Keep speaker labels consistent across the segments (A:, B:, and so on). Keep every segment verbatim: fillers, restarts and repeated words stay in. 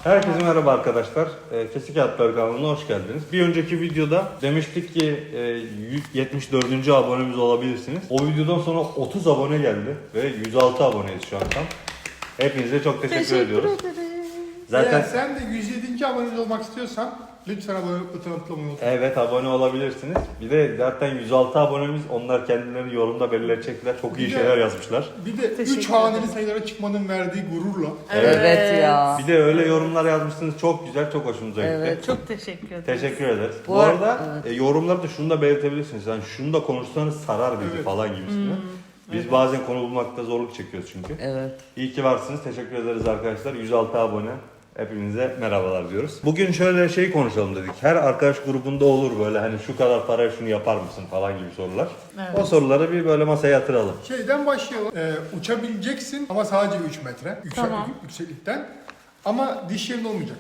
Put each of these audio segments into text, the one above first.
A: Herkese merhaba arkadaşlar. E, Kesik Hayatlar kanalına hoş geldiniz. Bir önceki videoda demiştik ki e, yetmiş dördüncü abonemiz olabilirsiniz. O videodan sonra otuz abone geldi ve yüz altı aboneyiz şu an tam. Hepinize çok teşekkür,
B: Teşekkür
A: ediyoruz.
B: ederim.
A: Zaten
C: Eğer sen de yüz yedinci abone olmak istiyorsan lütfen abone butonuna tıklamayı unutma.
A: evet abone olabilirsiniz. Bir de zaten yüz altı abonemiz, onlar kendilerini yorumda belirleyecekler. Çok iyi
C: Bir de-
A: şeyler yazmışlar.
C: Bir de
B: Teşekkür
C: üç haneli
B: ederim.
C: sayılara çıkmanın verdiği gururla.
A: Evet.
D: Evet ya.
A: Bir de öyle yorumlar yazmışsınız, çok güzel, çok hoşumuza gitti.
D: Evet.
B: Çok teşekkür ederim.
A: Teşekkür ederiz. Bu,
D: Bu ar-
A: arada e, yorumlarda şunu da belirtebilirsiniz. Yani şunu da konuşsanız sarar bizi
C: Evet.
A: falan gibisinden. Biz bazen konu bulmakta zorluk çekiyoruz çünkü.
D: Evet.
A: İyi ki varsınız. Teşekkür ederiz arkadaşlar. yüz altı abone. Hepinize merhabalar diyoruz. Bugün şöyle şey konuşalım dedik. Her arkadaş grubunda olur böyle hani şu kadar paraya şunu yapar mısın falan gibi sorular.
B: Evet.
A: O soruları bir böyle masaya yatıralım.
C: Şeyden başlayalım. Ee, uçabileceksin ama sadece üç metre yüksel,
B: Tamam.
C: yükseklikten. Ama diş yerin olmayacak.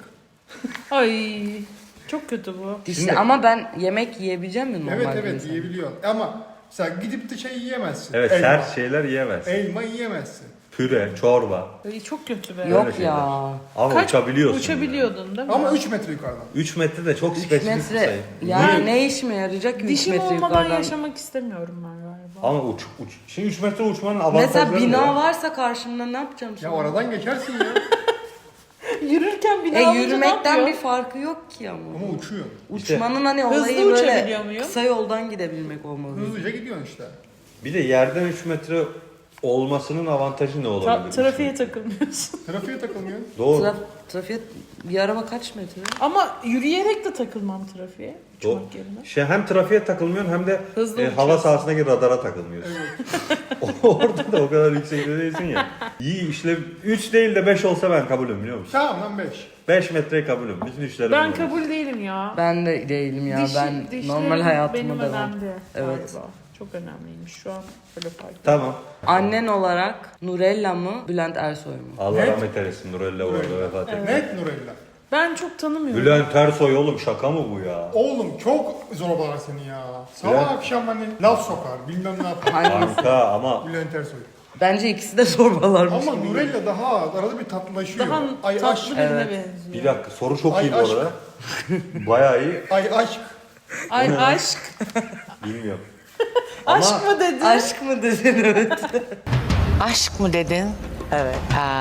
B: Ay çok kötü bu.
D: Dişli
A: Şimdi-
D: ama ben yemek yiyebileceğim mi normal
C: Evet
D: bir
C: evet
D: insan?
C: yiyebiliyorsun. Ama mesela gidip de şey yiyemezsin.
A: Evet,
C: Elma.
A: sert şeyler yiyemez.
C: Elma yiyemezsin.
A: Püre, çorba.
B: Ay, çok kötü be.
D: Yok
A: Öyle şeyler.
D: ya.
A: Ama
B: Kaç-
A: uçabiliyorsun.
B: Uçabiliyordun değil mi?
C: Ama üç metre yukarıdan.
A: üç metre de çok
D: üç
A: spesifik bir
D: metre.
A: sayı.
D: Yani ne işime yarayacak ki üç
B: Dişim
D: metre
B: olmadan
D: yukarıdan?
B: yaşamak istemiyorum ben galiba.
A: Ama uç, uç. Şimdi üç metre uçmanın avantajları
D: Mesela bina
A: ne?
D: varsa karşımda ne yapacağım
C: Ya
D: şimdi?
C: oradan geçersin ya.
B: Yürürken bina
D: E
B: alınca ne
D: yürümekten
B: yapıyor?
D: bir farkı yok ki ama.
C: Ama uçuyor.
D: Uçmanın hani
B: Hızlı
D: olayı
B: uçabiliyor
D: böyle
B: muyum?
D: kısa yoldan gidebilmek olmalı.
C: Hızlıca gidiyorsun işte.
A: Bir de yerden üç metre olmasının avantajı ne
B: Tra-
A: olabilir?
B: trafiğe takılmıyorsun.
C: Trafiğe takılmıyorsun.
A: Doğru.
D: Traf trafiğe bir araba kaç metre?
B: Ama yürüyerek de takılmam trafiğe.
A: Doğru.
B: Uçmak yerine.
A: Şey, hem trafiğe takılmıyorsun hem de
B: Hızlı
A: e, hava
B: uçuyorsun.
A: sahasındaki radara takılmıyorsun. Orada da o kadar yüksekte değilsin ya. İyi işlev üç değil de beş olsa ben kabulüm biliyor musun?
C: Tamam lan beş.
A: beş metreye kabulüm. Bütün işlerim
B: Ben
A: olur.
B: kabul değilim ya.
D: Ben de değilim ya.
B: Dişi-
D: ben
B: dişlerim
D: normal hayatıma
B: benim
D: devam.
B: önemli
D: Evet.
B: galiba. Çok önemliymiş şu an böyle fark ettim.
A: Tamam.
D: Annen olarak Nurella mı Bülent Ersoy mu?
A: Allah
C: Net.
A: rahmet eylesin. Nurella bu arada
C: Nurella.
A: vefat etti.
C: Net Nurella.
B: Ben çok tanımıyorum.
A: Bülent Ersoy oğlum, şaka mı bu ya?
C: Oğlum çok zorbalar seni ya. Sabah
A: Bülent-
C: akşam hani laf sokar bilmem ne yapar.
D: Hangisi?
A: Kanka ama
C: Bülent Ersoy.
D: Bence ikisi de zorbalarmış.
C: Ama
D: gibi.
C: Nurella daha az. Arada bir tatlılaşıyor.
B: Daha
C: Ay
B: tatlı
C: aşk.
B: birine
D: Evet.
B: benziyor.
A: bir dakika, soru çok
C: Ay,
A: iyi bu
C: aşk.
A: arada. Bayağı iyi.
C: Ay aşk.
B: Ay aşk.
A: Bilmiyorum.
B: Aşk
A: Ama
B: mı dedin?
D: Aşk mı dedin evet.
E: Aşk mı dedin?
D: Evet.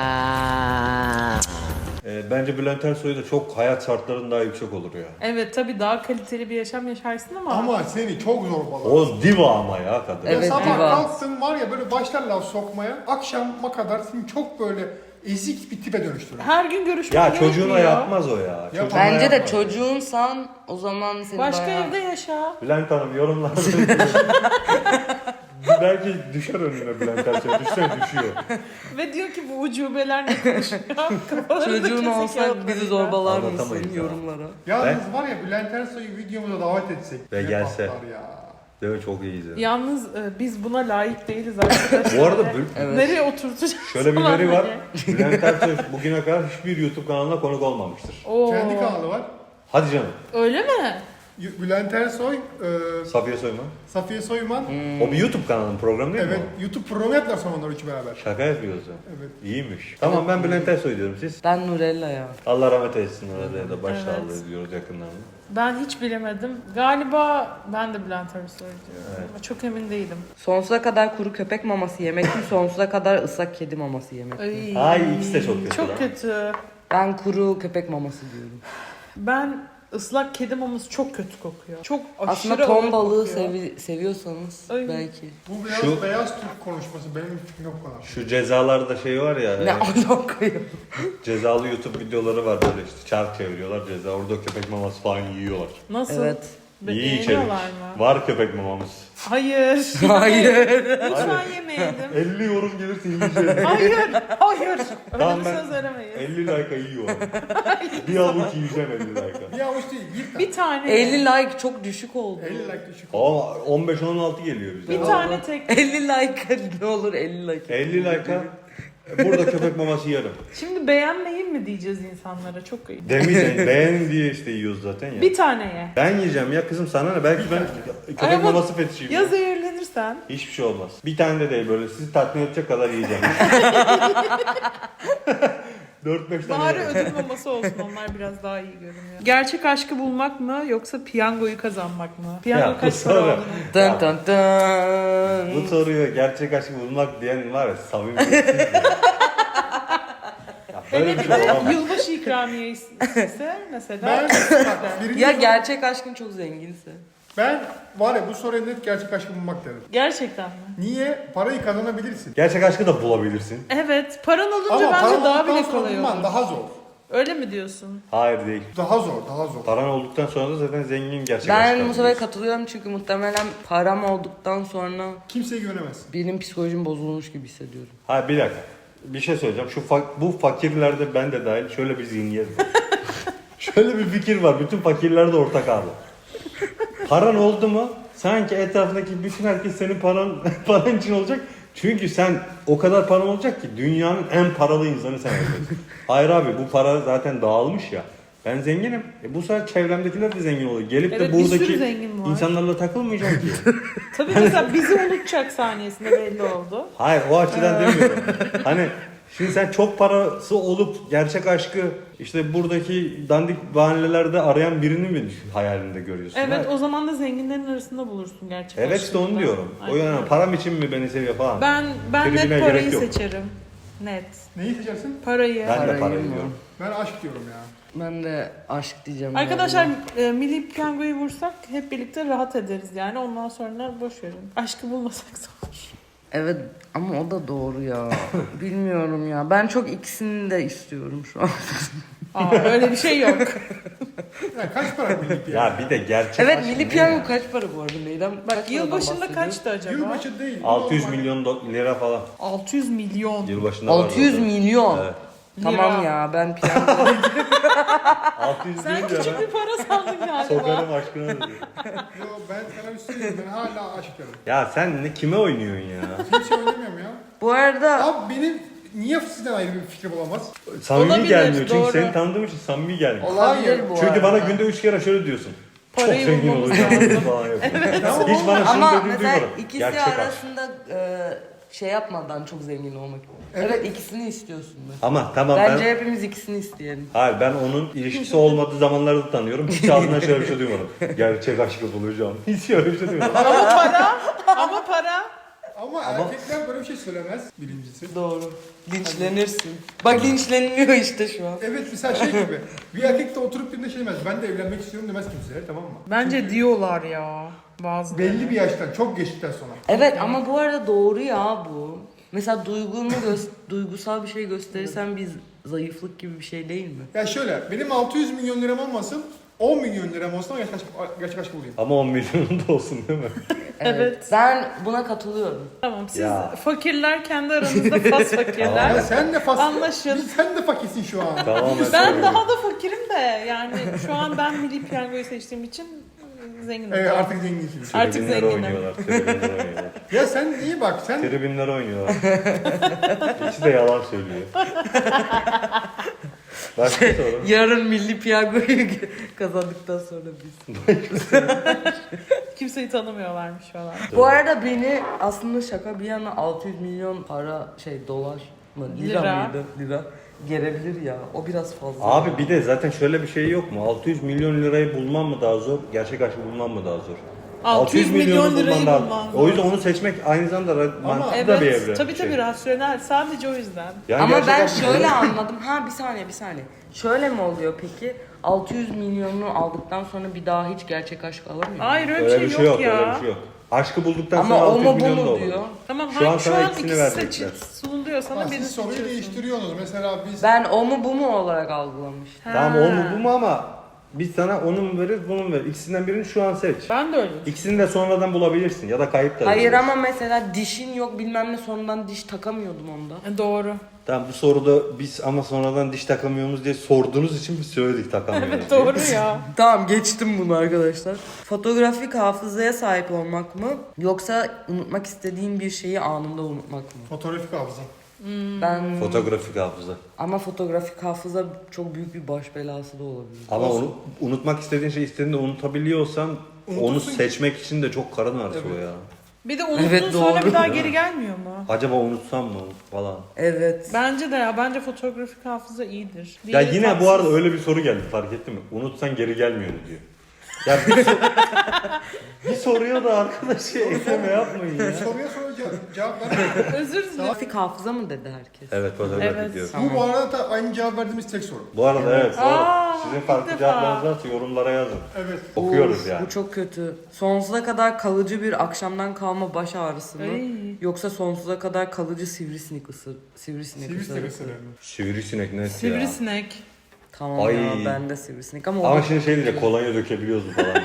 E: Ha.
A: e, bence Bülent Ersoy da çok hayat şartların daha yüksek olur ya.
B: Evet tabii daha kaliteli bir yaşam yaşarsın ama.
C: Ama seni çok zorbalar.
A: O diva ama ya kadın.
C: Ya
D: Evet,
C: sabah
D: diva.
C: kalktın var ya böyle başlar laf sokmaya. Akşama kadar seni çok böyle ezik bir tipe dönüştürür.
B: Her gün görüşmek
A: Ya
B: gerekmiyor.
A: çocuğuna yapmaz o ya. Çocuğuna
D: Bence de
A: yapmaz.
D: çocuğunsan o zaman seni
B: Başka
D: bayağı...
B: evde yaşa.
A: Bülent Hanım yorumlarda belki düşer önüne Bülent Ersoy. Düşse düşüyor.
B: Ve diyor ki bu ucubeler ne konuşuyor? Kafalarında
D: Çocuğun
B: kese
D: olsa
B: kağıtları
D: bizi
B: ya.
D: zorbalar
A: Anlatamayız
D: mısın
A: ya.
D: yorumlara?
C: Yalnız var ya Bülent Ersoy'u videomuza davet etsek.
A: Ve
C: ne
A: gelse.
C: patlar ya.
A: Değil mi? Çok iyiyiz yani.
B: Yalnız e, biz buna layık değiliz arkadaşlar.
A: Bu arada Bül-
D: Evet.
B: Nereye oturtacağız?
A: şöyle bir
B: falan
A: veri var.
B: diye.
A: Bülent Ersoy bugüne kadar hiçbir YouTube kanalına konuk olmamıştır.
B: Oo.
C: Kendi kanalı var.
A: Hadi canım.
B: Öyle mi?
C: Y- Bülent Ersoy, e,
A: Safiye Soyman.
C: Safiye Soyman.
A: O bir YouTube kanalının programı değil
C: Evet,
A: mi
C: YouTube programı yaptılar sonra onlar üçü beraber.
A: o? Şaka yapıyoruz ya.
C: Evet.
A: İyiymiş. Tamam, ben Bülent Ersoy diyorum, siz?
D: Ben Nurella ya.
A: Allah rahmet eylesin, orada da başsağlığı
B: Evet.
A: diyoruz yakınlarına.
B: Ben hiç bilemedim. Galiba ben de Bülent Ersoy diyorum.
A: Evet.
B: Ama çok emin değilim.
D: Sonsuza kadar kuru köpek maması yemek mi? Sonsuza kadar ıslak kedi maması yemek mi?
B: Ay,
A: Ay, ikisi de çok kötü lan.
B: Çok kötü.
D: Ben kuru köpek maması diyorum.
B: Ben ıslak kedi maması çok kötü kokuyor. Çok aşırı
D: Aslında ton
B: ağır
D: balığı
B: kokuyor.
D: sevi- seviyorsanız
B: Ay.
D: belki.
C: Bu beyaz,
A: Şu-
C: beyaz Türk konuşması benim fikrim yok bana.
A: Şu cezalarda şey var ya.
D: Ne
A: e,
D: alaka ya?
A: cezalı YouTube videoları var böyle işte, çark çeviriyorlar ceza. Orada köpek maması falan yiyorlar.
B: Nasıl?
D: Evet.
B: Be-
A: İyi içerik.
B: beğeniyorlar mı?
A: Var köpek mamamız.
B: Hayır.
D: Hayır.
B: Lütfen yemeyelim.
A: elli yorum gelirse yiyeceğiz.
B: Hayır. Hayır. Öyle
A: Tamam,
B: bir
A: ben
B: söz veremeyiz.
A: elli like'a yiyorum. Bir avuç yiyeceğim elli like'a.
C: Bir avuç değil, bir tane.
B: Bir tane.
D: elli like çok düşük oldu.
C: elli like düşük.
A: Ama on beş on altı geliyor bize.
B: Bir tane tek.
D: elli like ne olur elli like.
A: elli like'a burada köpek maması yerim.
B: Şimdi beğenmeyin mi diyeceğiz insanlara? Çok iyi.
A: Demeyeceğim, beğen diye işte yiyoruz zaten ya.
B: Bir tane ye.
A: Ben yiyeceğim ya kızım, sana ne? Belki ben köpek
B: Ay ama
A: maması fetişiyim.
B: Ya zehirlenirsen?
A: Hiçbir şey olmaz. Bir tane de değil, böyle sizi tatmin edecek kadar yiyeceğim. dört beş tane
B: Bari
A: var.
B: ödül maması olsun, onlar biraz daha iyi görünüyor. Gerçek aşkı bulmak mı yoksa piyangoyu kazanmak mı? Piyango
A: Ya,
B: kaç para
A: sonra-
B: oldu?
D: Dın dın dın.
A: Bu soruyu gerçek aşkı bulmak diyen var ya samimiyetsiz ya. Ya böyle
B: Hele
A: bir
B: bir
A: şey
B: de
A: olamaz.
B: yılbaşı ikramiyesi ise mesela.
C: Ben, bak, birinci
D: Ya
C: soru-
D: gerçek aşkın çok zenginse.
C: ben var ya bu soruya net gerçek aşkı bulmak derim.
B: Gerçekten mi?
C: Niye? Parayı kazanabilirsin.
A: Gerçek aşkı da bulabilirsin.
B: Evet, paran olunca
C: Ama
B: bence
C: paran
B: daha
C: olduktan
B: bile
C: sonra
B: kolay
C: bulman
B: olur.
C: daha zor.
B: Öyle mi diyorsun?
A: Hayır değil.
C: Daha zor, daha zor.
A: Paran olduktan sonra da zaten zengin gerçek aşkı
D: Ben bu sefer
A: arıyorsun.
D: katılıyorum çünkü muhtemelen param olduktan sonra
C: Kimseye güvenemezsin.
D: benim psikolojim bozulmuş gibi hissediyorum.
A: Hayır bir dakika. Bir şey söyleyeceğim. Şu fa- bu fakirlerde ben de dahil şöyle bir zihniyet var. Şöyle bir fikir var. Bütün fakirlerde ortak abi. Paran oldu mu sanki etrafındaki bütün herkes senin paran paran için olacak. Çünkü sen o kadar paran olacak ki dünyanın en paralı insanı sen olacaksın. Hayır abi bu para zaten dağılmış ya. Ben zenginim. E bu sefer çevremdekiler de zengin oluyor. Gelip
B: Evet,
A: de
B: bir sürü
A: buradaki
B: zengin var.
A: insanlarla takılmayacağım ki.
B: Tabii mesela bizi unutacak saniyesinde belli oldu.
A: Hayır o açıdan demiyorum. Hani şimdi sen çok parası olup gerçek aşkı işte buradaki dandik bahanelerde arayan birini mi hayalinde görüyorsun?
B: Evet,
A: Hayır.
B: o zaman da zenginlerin arasında bulursun gerçek
A: Evet işte onu
B: aşkını.
A: diyorum. O
B: Aynen.
A: yani param için mi beni seviyor falan.
B: Ben ben
A: Tribüne
B: net
A: gerek
B: parayı
A: yok.
B: seçerim. Net.
C: Neyi seçersin?
B: Parayı.
A: Ben de
D: Parayı
A: parayı
D: mı?
A: diyorum.
C: Ben aşk diyorum ya.
D: Ben de aşk diyeceğim.
B: Arkadaşlar
D: galiba.
B: e, milli piyangoyu vursak hep birlikte rahat ederiz yani. Ondan sonra boş verin. Aşkı bulmasak zor.
D: Evet ama o da doğru ya. Bilmiyorum ya. Ben çok ikisini de istiyorum şu an.
B: Aa, öyle bir şey yok.
C: Ya kaç para milli piyango?
A: Ya bir de gerçek
D: Evet
A: aşk
D: milli
A: ne
D: piyango
A: ya?
D: kaç para bu arada Neyden?
B: Bak yılbaşında kaçtı acaba?
C: Yılbaşı değil.
A: altı yüz
C: normal.
A: milyon do- lira falan.
B: altı yüz milyon.
A: Yılbaşında var
D: altı yüz
A: zaten.
D: milyon.
A: Evet.
D: Tamam
B: Lira.
D: ya ben piyango
A: altı yüz
B: Sen
A: deyince
B: küçük
A: ben
B: bir para sandın galiba.
A: sokarım aşkına diyor.
C: Yo ben sana bir şey söyleyeyim. Ben hala aşk diyorum.
A: Ya sen ne kime oynuyorsun ya?
C: Kimse oynamıyorum ya.
D: Bu arada
C: Abi benim niye sizden ayrı bir fikrim olamaz?
A: Samimi
B: Olabilir,
A: gelmiyor çünkü
B: doğru.
A: seni tanıdığım için samimi gelmiyor.
D: olabilir bu
A: Çünkü
D: arada.
A: bana günde üç kere şöyle diyorsun.
B: Parayı
A: Çok zengin
B: bulmamız
A: olacağım falan yapıyorsun.
C: Tamam
A: Hiç bana şunu
D: Ama
A: dediğini
D: mesela
A: duymadım.
D: ikisi
A: Gerçek aşk.
D: arasında e, şey yapmadan çok zengin olmak. Evet,
C: Evet.
D: ikisini istiyorsun da.
A: Ama tamam
D: Bence
A: ben...
D: hepimiz ikisini isteyelim.
A: Hayır ben onun ilişkisi olmadığı zamanlarda da tanıyorum. Hiç ağzından şöyle bir şey duymadım. Gerçek aşkı bulacağım. Hiç öyle bir şey duymadım.
B: Ama para. Ama para.
C: Ama, erkekler böyle bir şey söylemez birincisi.
D: Doğru. Linçlenirsin. Bak linçleniliyor işte şu an.
C: Evet mesela şey gibi. Bir erkek de oturup birinde şey demez. Ben de evlenmek istiyorum demez kimseye tamam mı?
B: Bence diyorlar ya bazı.
C: Belli bir yaştan çok geçtikten sonra.
D: Evet ama bu arada doğru ya bu. Mesela duygunu gö- duygusal bir şey gösterirsen bir zayıflık gibi bir şey değil mi?
C: Ya şöyle benim altı yüz milyon liram olmasın on milyon liram olsun ama gerçek aşk, gerçek aşk bulayım.
A: Ama on milyonun da olsun değil mi?
B: Evet.
D: Ben buna katılıyorum.
B: Tamam, siz
A: Ya.
B: fakirler kendi aranızda fas fakirler.
C: Ya sen de fas...
B: Anlaşın.
C: Bir- Sen de fakirsin şu an.
A: Tamamen
B: Ben
A: söylüyorum.
B: daha da fakirim de yani şu an ben milli piyangoyu seçtiğim için zenginim.
C: Evet artık zenginsin.
B: Artık
A: Tribünlere
B: zenginim.
A: oynuyorlar. Tribünlere oynuyorlar.
C: Ya sen iyi bak sen
A: Tribünlere oynuyorlar. İkisi de yalan söylüyor. Başka soru.
D: Yarın milli piyangoyu kazandıktan sonra biz.
B: Kimseyi tanımıyorlarmış falan.
D: Bu arada beni aslında şaka bir yana altı yüz milyon para şey dolar mı? Lira,
B: Lira.
D: mıydı? Lira. Gelebilir ya. O biraz fazla.
A: Abi bir de zaten şöyle bir şey yok mu? altı yüz milyon lirayı bulmam mı daha zor? Gerçek aşkı bulmam mı daha zor?
B: altı yüz
A: milyonu
B: milyon lirayı
A: daha-
B: bulman
A: O yüzden
B: zor.
A: onu seçmek aynı zamanda ra- mantıklı
B: Evet,
A: da bir evre.
B: tabii
A: şey.
B: tabii rasyonel. Sadece o yüzden.
A: Yani
D: Ama
A: gerçek
D: ben
A: aşkı-
D: şöyle anladım. Ha bir saniye bir saniye. Şöyle mi oluyor peki? altı yüz milyonunu aldıktan sonra bir daha hiç gerçek aşk alamıyor mu?
B: Hayır öyle,
A: Öyle
B: bir şey yok, ya.
A: öyle bir şey yok. Aşkı bulduktan
D: Ama
A: sonra
D: o
A: altı yüz
D: mu bu
A: milyon da
D: mu
A: olur.
D: diyor.
B: Tamam,
A: Şu
B: şu
A: an
B: an, şu
A: sana
B: an
A: ikisini
B: ikisi
A: verecekler.
B: seçil, sunuluyor sana,
C: Ha,
B: birini
C: siz soruyu
B: seçiyorsun.
C: değiştiriyorsunuz. Mesela biz
D: Ben o mu bu mu olarak algılamıştım.
A: Tamam
B: Ha.
A: o mu bu mu ama biz sana onu mu veririz bunu mu veririz? İkisinden birini şu an seç.
B: Ben de öyle.
A: İkisini de sonradan bulabilirsin ya da kayıp da
D: Hayır
A: edebilirsin.
D: ama mesela dişin yok bilmem ne sonradan diş takamıyordum onda.
B: E, Doğru.
A: Tamam bu soruda biz ama sonradan diş takamıyoruz diye sorduğunuz için biz söyledik takamıyoruz.
B: Evet
A: diye.
B: doğru ya.
D: Tamam geçtim bunu arkadaşlar. Fotoğrafik hafızaya sahip olmak mı yoksa unutmak istediğin bir şeyi anında unutmak mı?
C: fotoğrafik hafıza.
D: Ben
A: Fotoğrafik hafıza.
D: ama fotoğrafik hafıza çok büyük bir baş belası da olabilir.
A: Ama
C: Olsun.
A: onu unutmak istediğin şeyi istediğinde unutabiliyorsan onu
C: Unutursun ki.
A: seçmek için de çok karın ağrısı o
C: Evet.
A: ya.
B: Bir de unuttuğun
D: Evet,
B: sonra
D: doğru.
B: bir daha geri gelmiyor mu?
A: Acaba unutsam mı falan.
D: Evet.
B: Bence de ya. Bence fotoğrafik hafıza iyidir.
A: Ya
B: Diğeri
A: yine bu
B: tatsız.
A: arada öyle bir soru geldi, fark ettin mi? Unutsan geri gelmiyor diyor. Ya bir, sor- bir soruyor da arkadaşı ekleme yapmayın ya.
C: Soruya soru ce- cevap ver.
B: Özür dilerim.
D: Fotoğrafik hafıza mı dedi herkes?
A: Evet, fotoğraf
B: Evet.
A: ediyorum.
C: Bu bu arada da aynı cevap verdiğimiz tek soru.
A: Bu arada evet, doğru.
B: Aa,
A: Sizin
B: ilk
A: farklı
B: defa.
A: cevaplarınız varsa yorumlara yazın.
C: Evet.
A: Okuyoruz
D: Of,
A: yani.
D: Bu çok kötü. Sonsuza kadar kalıcı bir akşamdan kalma baş ağrısı mı?
B: Ay.
D: Yoksa sonsuza kadar kalıcı sivrisinek ısır. Sivrisinek,
C: Sivrisinek
D: ısırısı.
C: ısırığı.
A: Sivrisinek net ya.
B: Sivrisinek.
D: Tamam
A: Ay.
D: ya ben de sivrisinek ama, o
A: Ama
D: da-
A: şimdi şey diyecek, kolonya dökebiliyoruz mu falan.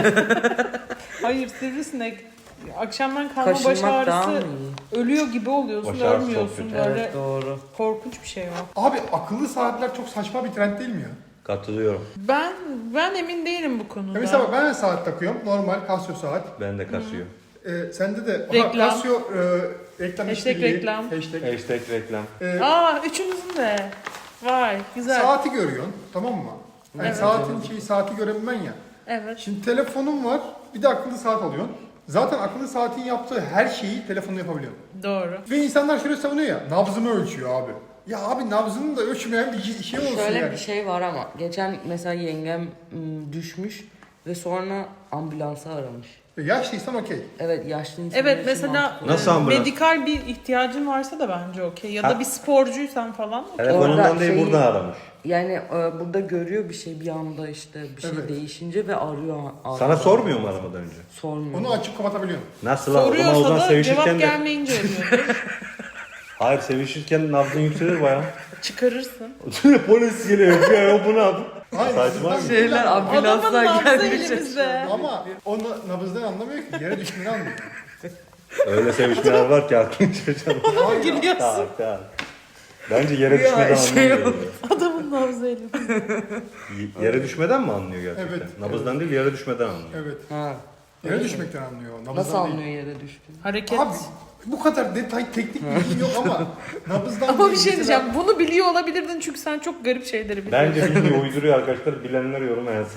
B: Hayır sivrisinek. Akşamdan kalma baş
D: kaşınmak daha mı
B: ağrısı
D: iyi?
B: ölüyor gibi oluyorsun,
A: Baş ağrısı çok
B: ölmüyorsun.
A: kötü.
B: Böyle
D: Evet doğru.
B: korkunç bir şey o.
C: Abi akıllı saatler çok saçma bir trend değil mi ya?
A: Katılıyorum.
B: Ben ben emin değilim bu konuda.
C: Ya mesela bak ben saat takıyorum. Normal Casio saat.
A: Ben de kasıyor.
C: Ee, sende de
B: Reklam.
C: Aha, Casio e, reklam
B: Hashtag
C: işbirliği,
B: reklam.
C: Hashtag.
A: Hashtag reklam.
C: Ee,
B: Aa üçünüzün de. Vay güzel.
C: saati görüyorsun tamam mı? Yani
B: Evet.
C: saatin şeyi saati görebilmen ya.
B: Evet.
C: Şimdi telefonun var bir de akıllı saat alıyorsun. Zaten akıllı saatin yaptığı her şeyi telefonla yapabiliyorsun.
B: Doğru.
C: Ve insanlar şöyle savunuyor ya, nabzımı ölçüyor abi. Ya abi nabzını da ölçmeyen bir şey olsun
D: Şöyle
C: yani.
D: bir şey var ama geçen mesela yengem ım, düşmüş ve sonra ambulansı aramış.
C: E, Yaşlıysan okey.
D: Evet yaşlı insanlar
B: Evet
D: için
B: mesela
D: mantıklı.
A: Nasıl
B: e,
A: ambulans?
B: medikal bir ihtiyacın varsa da bence okey. Ya
A: Ha.
B: da bir sporcuysan falan.
A: Telefonundan
D: Orada
A: değil
D: şeyi-
A: buradan aramış.
D: Yani e, burada görüyor bir şey bir anda işte bir şey
C: Evet.
D: değişince ve arıyor.
A: Sana
D: arıyor.
A: sormuyor mu aramadan önce?
D: Sormuyor.
C: Onu açıp kapatabiliyorsun.
A: Nasıl lan? O zaman o
B: Soruyorsa
A: zaman
B: da
A: sevişirken
B: cevap
A: de...
B: gelmeyince arıyordur.
A: Hayır, sevişirken nabzın yükselir bayağı.
B: Çıkarırsın.
A: Polis geliyor. Ya bu ne yapıyor?
C: Hayır,
A: Saçma
C: nabızdan-
A: bir-
D: Şeyler
B: Adamın
D: ambulanslar
B: nabzı
D: gelmiş.
B: elimizde.
C: Ama onu nabızdan anlamıyor ki. Yere düştüğünü anlıyor.
A: Öyle sevişmeler var ki aklın şaşırır.
B: Gülüyorsun.
A: Tak tak. Bence yere
D: Ya,
A: düşmeden
D: şey
A: anlıyor.
D: oldu.
B: Adamın nabzı elimizde.
A: Y- Yere düşmeden mi anlıyor gerçekten?
C: Evet,
A: Nabızdan değil, yere düşmeden anlıyor.
C: Evet.
D: Ha.
C: Yere düşmekten anlıyor. Nabızdan
D: Nasıl
C: değil.
D: anlıyor yere düştüğünü?
B: Hareket.
C: Abi bu kadar detay teknik bilgim yok ama nabızdan
B: Ama bir
C: değil.
B: şey
C: Mesela-
B: diyeceğim. Bunu biliyor olabilirdin çünkü sen çok garip şeyleri biliyorsun.
A: Bence bilmiyor, uyduruyor arkadaşlar. Bilenler yoruma yazsın.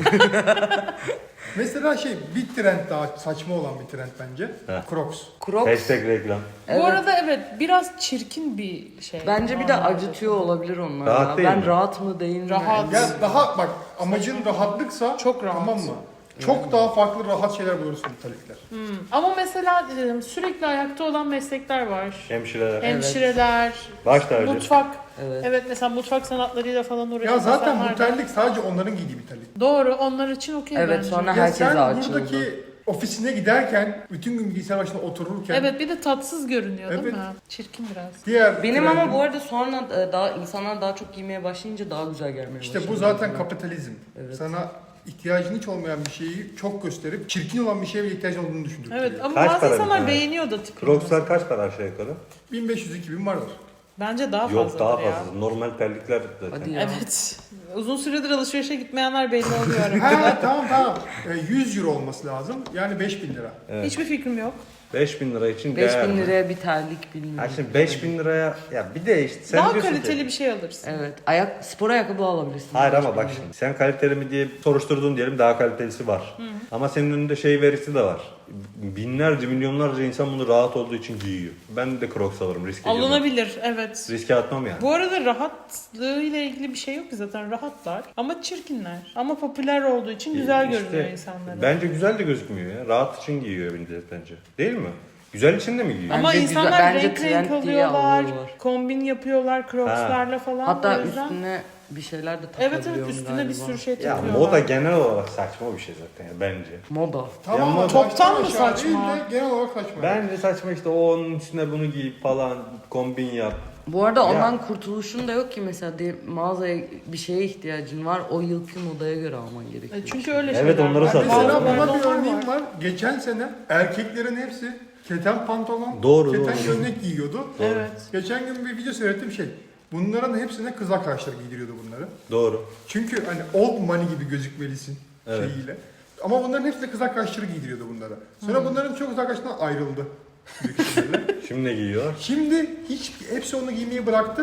C: Mesela şey bir trend daha saçma olan bir trend bence.
A: Heh.
C: Crocs.
D: Crocs
A: Hashtag reklam.
D: Evet.
B: Bu arada evet biraz çirkin bir şey.
D: bence bir de
B: Normalde.
D: acıtıyor olabilir onlar.
A: Rahat
D: ya.
A: değil
D: Ben
A: mi?
D: rahat mı değil mi?
B: Rahat.
C: Ya daha bak amacın rahatlıksa
B: Çok rahat.
C: tamam mı? Çok daha farklı rahat şeyler bulursun talikler.
B: Ama mesela e, sürekli ayakta olan meslekler var.
A: Hemşireler.
B: Hemşireler,
A: Baş tacı.
B: mutfak.
D: Evet.
B: Evet mesela mutfak sanatlarıyla falan uğraşan
C: Ya zaten
B: insanlar
C: bu
B: da-
C: terlik sadece onların giydiği bir terlik.
B: Doğru onlar için okey
D: Evet,
B: bence.
D: sonra
C: Ya
D: herkese
C: sen
D: açıldı.
C: buradaki ofisine giderken bütün gün bilgisayar başında otururken
B: Evet bir de tatsız görünüyor değil
C: Evet.
B: mi? Çirkin biraz.
C: diğer
D: Benim
C: trendin-
D: ama bu arada sonra e, daha insanlar daha çok giymeye başlayınca daha güzel gelmeye
C: İşte
D: başladı.
C: bu zaten kapitalizm.
D: Evet.
C: Sana ihtiyacın hiç olmayan bir şeyi çok gösterip çirkin olan bir şeye bile ihtiyacın olduğunu düşündürtüyor.
B: Evet ama
A: Kaç
B: bazı
A: para bir
B: insanlar
A: tane?
B: beğeniyor da tipini.
A: Crocs'lar kaç para aşağı yukarı?
C: bin beş yüz iki bin vardır.
B: Bence daha fazla.
A: Yok, daha fazla. Normal terlikler zaten.
D: Hadi ya.
B: Evet. Uzun süredir alışverişe gitmeyenler belli oluyor aramızda.
C: ha tamam tamam. E, yüz euro olması lazım. Yani beş bin lira.
A: Evet.
B: Hiçbir fikrim yok.
A: beş bin lira için
D: beş
A: değer
D: bin
A: mi?
D: liraya bir terlik bilmiyorum.
A: Ha şimdi beş bin liraya ya bir de işte sen
B: Daha
A: diyorsun
B: kaliteli
A: ki,
B: bir şey alırsın.
D: Evet. Ayak spor ayakkabı alabilirsin.
A: hayır
D: beş
A: ama
D: bin
A: bak
D: liraya.
A: şimdi sen kaliteli mi diye soruşturduğun diyelim, daha kalitelisi var. Ama senin önünde şey verisi de var. Binlerce milyonlarca insan bunu rahat olduğu için giyiyor. Ben de Crocs alırım, riske girmem.
B: Alınabilir evet.
A: Riske atmam yani.
B: Bu arada rahatlığı ile ilgili bir şey yok ki zaten rahatlar ama çirkinler. Ama popüler olduğu için güzel
A: İşte
B: görünüyor insanlara.
A: Bence güzel de gözükmüyor ya. Rahat için giyiyor millet bence. Değil mi? Güzel için de mi giyiyor?
B: Ama
D: Bence
B: insanlar
D: güzel- bence
B: renk renk
D: trend diye
B: alıyorlar,
D: alıyorlar.
B: kombin yapıyorlar crocslarla falan.
D: Hatta
B: o yüzden...
D: üstüne bir şeyler de
B: Evet
D: takabiliyorum
B: evet üstüne
D: galiba.
B: bir sürü şey
A: Ya
B: takıyorlar.
A: moda genel olarak saçma bir şey zaten ya, bence.
D: Moda.
C: Tamam
A: Ya
C: ama
A: ama
B: toptan
C: baştan
B: mı
C: aşağı
B: saçma?
C: değil de genel olarak saçma.
A: Bence saçma işte, o onun üstüne bunu giyip falan kombin yap.
D: Bu arada
A: Ya.
D: ondan kurtuluşun da yok ki mesela de, mağazaya bir şeye ihtiyacın var. O yılki modaya göre alman gerekiyor.
B: E çünkü öyle
A: Evet,
B: şeyler
A: onları
B: var.
A: satıyorlar.
C: Mesela
B: Bazılarında
C: buna bir
B: onlar
C: örneğim var. Geçen sene erkeklerin hepsi keten pantolon,
A: Doğru,
C: keten
A: doğru.
C: gömlek giyiyordu.
B: Evet.
C: Geçen gün bir video seyrettim şey. Bunların hepsine kız arkadaşları giydiriyordu bunları.
A: Doğru.
C: Çünkü hani old money gibi gözükmelisin
A: Evet.
C: şeyiyle. Ama bunların hepsi de kız arkadaşları giydiriyordu bunlara. Sonra bunların çok kız arkadaşlarından ayrıldı. büyük ihtimalle.
A: Şimdi ne giyiyor?
C: Şimdi hiç hepsi onu giymeyi bıraktı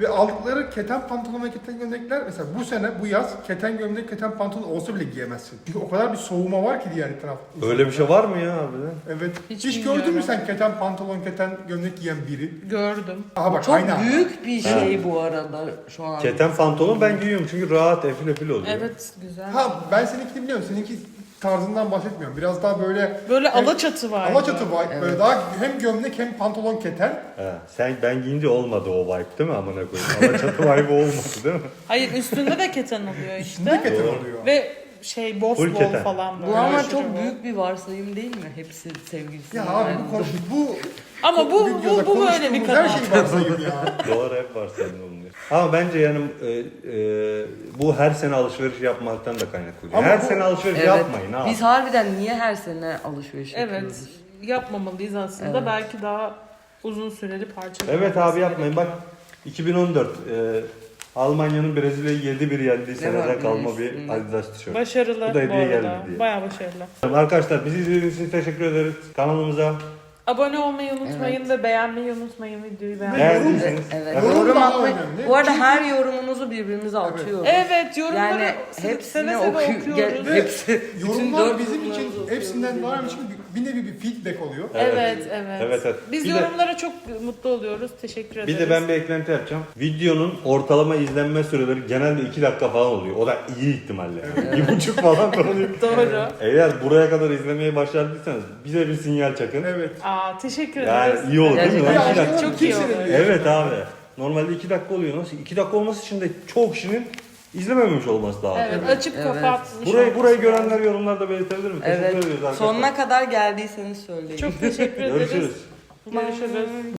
C: Ve aldıkları keten pantolon ve keten gömlekler mesela bu sene bu yaz keten gömlek keten pantolon olsa bile giyemezsin. Çünkü o kadar bir soğuma var ki diğer taraf.
A: Öyle bir şey var mı ya harbiden?
C: Evet.
B: Hiç
C: Hiç,
B: bilmiyorum.
C: gördün mü sen keten pantolon keten gömlek giyen biri?
B: Gördüm.
C: Aha bak
D: Çok
C: aynen.
D: büyük bir şey bu arada şu an.
A: Keten pantolon ben giyiyorum çünkü rahat efil efil oluyor.
B: Evet güzel.
C: Ha ben seninkini biliyorum. Seninki tarzından bahsetmiyorum. Biraz daha böyle
B: Böyle
C: hem-
B: alaçatı var.
C: alaçatı var.
D: Evet.
C: Böyle daha hem gömlek hem pantolon keten.
A: He, sen ben giyince olmadı o vibe değil mi amına koyayım? Alaçatı vibe olmadı değil mi?
B: Hayır üstünde de keten oluyor
C: Üstünde
B: işte.
C: keten
A: Doğru.
C: oluyor.
B: Ve şey boss
A: Full
B: bol
A: keten.
B: falan böyle.
D: Bu ama
B: aşırı
D: çok
B: bol.
D: büyük bir varsayım değil mi? Hepsi sevgilisi.
C: Ya abi bu konu bu
B: Ama bu
C: videoda
B: bu, bu böyle bir
C: konuştuğumuz her
B: kanal.
C: şey varsayım ya.
A: Doğru hep var senin oluyor. Ama bence yani e, e, bu her sene alışveriş yapmaktan da kaynaklı.
C: Ama
A: Her
C: bu-
A: sene alışveriş
D: Evet.
A: yapmayın abi.
D: Biz harbiden niye her sene alışveriş
B: Evet.
D: yapıyoruz?
B: Yapmamalıyız aslında.
D: Evet.
B: Belki daha uzun süreli parça.
A: Evet abi yapmayın. Bak iki bin on dört e, Almanya'nın Brezilya'yı yedi bir yendiği seneden
D: var
A: kalma
D: bunun
A: bir
D: üstünde?
A: Adidas tişört.
B: Başarılı
A: Bu
B: bu,
A: da hediye
B: arada.
A: geldi diye.
B: Bayağı başarılı.
A: Arkadaşlar bizi izlediğiniz için teşekkür ederiz. Kanalımıza
B: Abone olmayı unutmayın
D: Evet.
B: ve beğenmeyi unutmayın videoyu beğenmeyi.
A: beğendiyseniz
D: Evet.
C: Yorum
D: Yorum
C: daha
D: atmayı.
C: önemli.
D: Bu arada
C: Çünkü-
D: her yorumunuzu birbirimize atıyoruz.
B: Evet yorumları
D: Yani
B: seve
D: hepsini
B: seve
D: oku
B: okuyoruz.
D: ge- hepsi bütün
C: Yorumlar
D: dört
C: bizim için
D: yorumlarımızı
C: hepsinden
D: okuyoruz.
C: daha önemli çünkü bir nevi bir feedback oluyor.
B: Evet, evet.
A: Evet, evet.
B: Biz
A: Bir de-
B: yorumlara çok mutlu oluyoruz. Teşekkür ederiz.
A: Bir de ben bir eklenti yapacağım. Videonun ortalama izlenme süreleri genelde iki dakika falan oluyor. O da iyi ihtimalle. Yani. Bir buçuk falan oluyor.
B: Doğru.
A: Eğer buraya kadar izlemeyi başardıysanız bize bir sinyal çakın.
C: Evet.
B: Aa teşekkür
A: Yani
B: ederiz.
A: iyi olur değil mi?
D: Gerçekten.
A: Lan iki
C: Ya,
A: dakika.
B: Çok iyi
C: kimse
B: olur.
C: de diyor.
A: Evet abi. Normalde iki dakika oluyor. Nasıl? iki dakika olması için de çok kişinin izlememiş olması lazım.
B: Evet,
D: Evet,
B: açıp
D: evet.
B: kapatmış.
A: Burayı
B: olması
A: burayı
B: lazım.
A: görenler yorumlarda belirtebilir mi? Teşekkür
D: Evet.
A: ediyoruz arkadaşlar.
D: Sonuna kadar geldiyseniz söyleyin.
B: Çok teşekkür ederiz.
A: Görüşürüz.
B: Görüşürüz.